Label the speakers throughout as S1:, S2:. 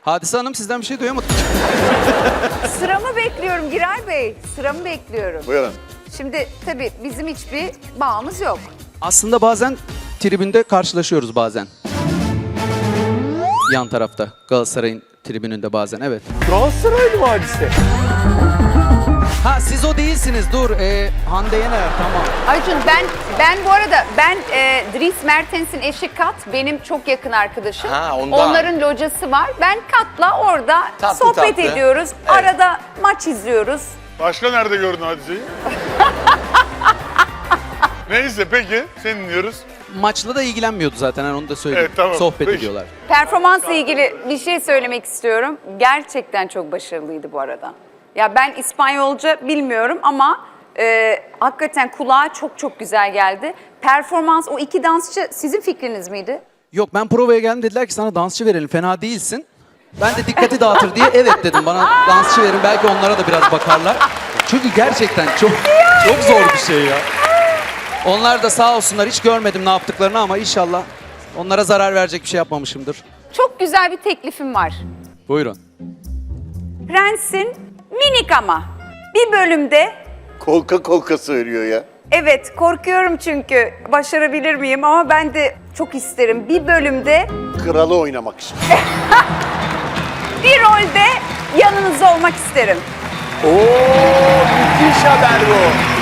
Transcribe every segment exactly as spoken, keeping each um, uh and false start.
S1: Hadise Hanım sizden bir şey duyamadım.
S2: Sıramı bekliyorum Giray Bey. Sıramı bekliyorum.
S3: Buyurun.
S2: Şimdi tabii bizim hiçbir bağımız yok.
S1: Aslında bazen tribünde karşılaşıyoruz bazen. Yan tarafta Galatasaray'ın tribününde bazen, evet.
S4: Galatasaraylı mı Hadise?
S1: Ha siz o değilsiniz, dur. Ee, Hande Yener, tamam.
S2: Aycun ben ben bu arada ben e, Dries Mertens'in eşi Kat benim çok yakın arkadaşım.
S4: Ha, ondan.
S2: Onların locası var. Ben Kat'la orada
S4: Tatlı
S2: sohbet
S4: tatlı.
S2: ediyoruz.
S4: Evet.
S2: Arada maç izliyoruz.
S3: Başka nerede gördün hadiseyi? Neyse peki, seni dinliyoruz.
S1: Maçla da ilgilenmiyordu zaten, hani onu da söyleyeyim.
S3: Evet, tamam.
S1: Sohbet
S3: Peki.
S1: ediyorlar.
S2: Performansla ilgili bir şey söylemek istiyorum. Gerçekten çok başarılıydı bu arada. Ya ben İspanyolca bilmiyorum ama e, hakikaten kulağa çok çok güzel geldi. Performans, o iki dansçı sizin fikriniz miydi?
S1: Yok, ben provaya geldim, dediler ki sana dansçı verelim, fena değilsin. Ben de dikkati dağıtır diye evet dedim, bana dansçı verin, belki onlara da biraz bakarlar. Çünkü gerçekten çok çok zor bir şey ya. Onlar da sağ olsunlar, hiç görmedim ne yaptıklarını ama inşallah onlara zarar verecek bir şey yapmamışımdır.
S2: Çok güzel bir teklifim var.
S1: Buyurun.
S2: Prens'in minik ama bir bölümde,
S3: Kolka kolka söylüyor ya.
S2: evet korkuyorum çünkü başarabilir miyim ama ben de çok isterim. Bir bölümde
S3: Kralı oynamak için.
S2: bir rolde yanınızda olmak isterim.
S4: Oo, müthiş haber bu.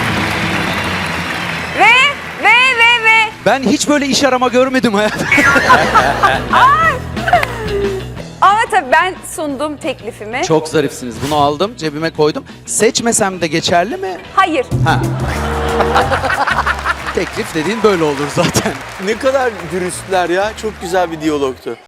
S2: Ve ve ve ve
S1: Ben hiç böyle iş arama görmedim hayatımda.
S2: ama tabii ben sundum teklifimi.
S1: Çok zarifsiniz, bunu aldım, cebime koydum. Seçmesem de geçerli mi?
S2: Hayır.
S1: Ha. Teklif dediğin böyle olur zaten.
S4: Ne kadar dürüstler ya. Çok güzel bir diyalogtu.